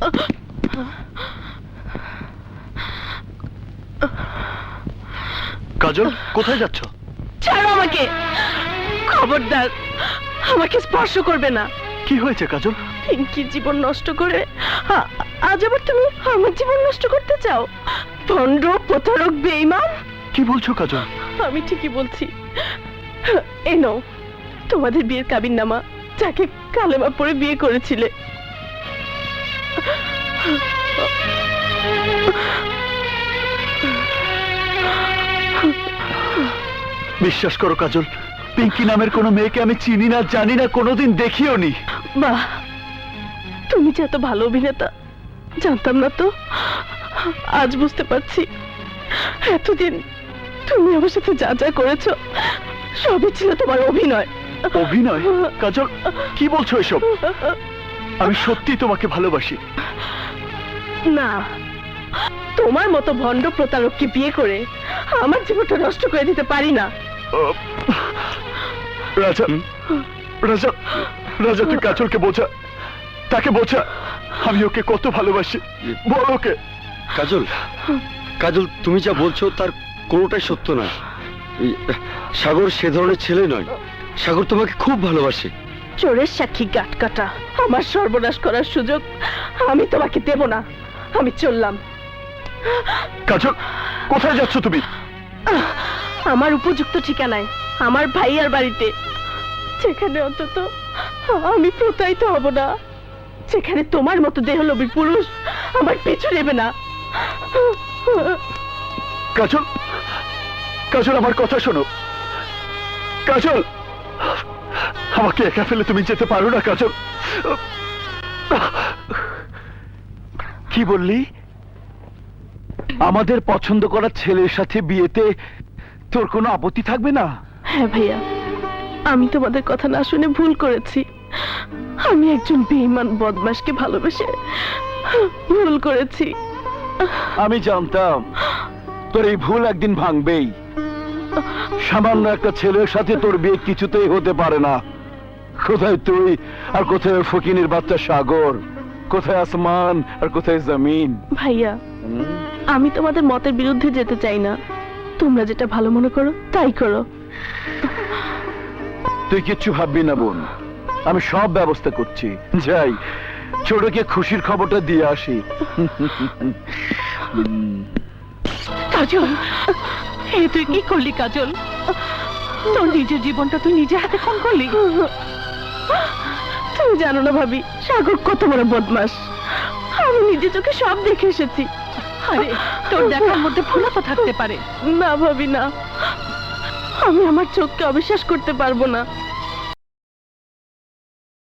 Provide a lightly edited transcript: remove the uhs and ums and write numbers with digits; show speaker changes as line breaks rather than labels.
কাজল, কোথায় যাচ্ছ?
ছাড়ো আমাকে, খবরদার আমাকে স্পর্শ করবে না।
কি হয়েছে কাজল?
পিঙ্কির জীবন নষ্ট করে আজ আবার তুমি আমার জীবন নষ্ট করতে চাও? ভণ্ড, প্রতারক, বেঈমান।
কি বলছো কাজল?
আমি ঠিকই বলছি। এই নাও তোমাদের বিয়ের কাবিননামা, যাকে কালেমা পড়ে বিয়ে করেছিলে।
বিশ্বাস করো কাজল, পিঙ্কি নামের কোনো মেয়েকে আমি চিনি না, জানি না, কোনোদিন দেখিও নি।
বাহ, তুমি যে এত ভালো অভিনেতা জানতাম না তো। আজ বুঝতে পারছি এতদিন তুমি আমার সাথে যা যা করেছো সবই ছিল তোমার অভিনয়।
অভিনয়? কাজল, কি বলছো এসব? আমি সত্যি তোমাকে ভালোবাসি।
না, তোমার মতো ভণ্ড প্রতারককে বিয়ে করে আমার জীবনটা নষ্ট করে দিতে পারি না।
রাজা, রাজা, রাজা, তুই কাজলকে বোঝা, তাকে বোঝা আমি ওকে কত ভালোবাসি। বল ওকে।
কাজল, কাজল, তুমি যা বলছো তার কোনোটাই সত্য নয়। সাগর সে ধরনের ছেলে নয়। সাগর তোমাকে খুব ভালোবাসে।
চোরের সাক্ষী গাট কাটা, আমার সর্বনাশ করার সুযোগ আমি তোমাকে দেব না। আমি চললাম।
কাজল, কোথায় যাচ্ছ তুমি?
আমার উপযুক্ত ঠিকানায়, আমার ভাইয়ার বাড়িতে, যেখানে অন্তত আমি প্রতারিত হব না, যেখানে তোমার মতো দেহলোভী পুরুষ আমার পিছু নেবে না।
কাজল, কাজল, আমার কথা শোনো। কাজল, আমাকে একা ফেলে তুমি যেতে পারো না কাজল। কি বললি? আমাদের পছন্দ করা ছেলের সাথে বিয়েতে তোর কোনো আপত্তি থাকবে না?
হ্যাঁ ভাইয়া, আমি তোমাদের কথা না শুনে ভুল করেছি। আমি একজন বেঈমান বদমাশকে ভালোবেসে ভুল করেছি।
আমি জানতাম তোর এই ভুল একদিন ভাঙবেই। সামান্য একটা ছেলের সাথে তোর বিয়ে কিছুতেই হতে পারে না। কোথায় তুই আর কোথায় ফকিনের বাচ্চা সাগর? কোথায় আসমান আর কোথায় জমিন?
ভাইয়া, আমি তোমাদের মতের বিরুদ্ধে যেতে চাই না। তোমরা যেটা ভালো মনে করো তাই করো।
তুই কিচ্ছু ভাববি না বোন, আমি সব ব্যবস্থা করছি। যাই, ছোটকে খুশির খবরটা দিয়ে আসি।
কাজল, এ তুই কি করলি কাজল? তোর নিজের জীবনটা তুই নিজে হাতে খুন করলি। তুমি জানো না ভাবি, সাগর কত বড় বদমাস। আমি নিজে চোখে সব দেখে এসেছি। আরে তোর দেখার মধ্যে ভুলও তো থাকতে পারে। না ভাবি না, আমি আমার চোখকে অবিশ্বাস করতে পারবো না।